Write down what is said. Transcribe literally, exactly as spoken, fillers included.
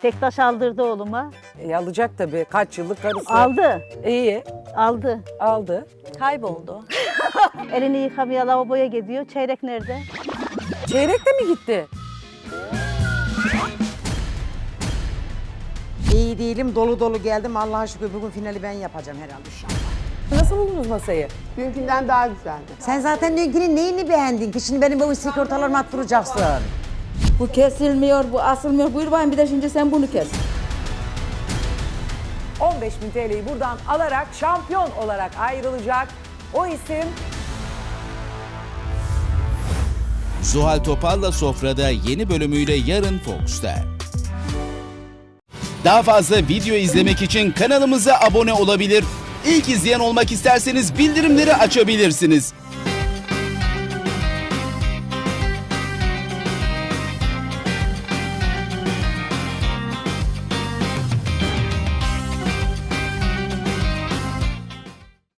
Tek taş aldırdı oğluma. E, alacak tabii. Kaç yıllık karısı. Aldı. İyi. Aldı. Aldı. Kayboldu. Elini yıkamaya lavaboya gidiyor. Çeyrek nerede? Çeyrek de mi gitti? İyi değilim, dolu dolu geldim. Allah'a şükür bugün finali ben yapacağım herhalde inşallah. Nasıl buldunuz masayı? Dünkünden daha güzeldi. Sen zaten dünkünün neyini beğendin ki? Şimdi benim bu sigortalarımı attıracaksın. Bu kesilmiyor, bu asılmıyor. Buyur bakayım bir de şimdi sen bunu kes. on beş bin T L'yi buradan alarak şampiyon olarak ayrılacak. O isim Zuhal Topal'la Sofra'da yeni bölümüyle yarın Fox'ta. Daha fazla video izlemek için kanalımıza abone olabilir. İlk izleyen olmak isterseniz bildirimleri açabilirsiniz.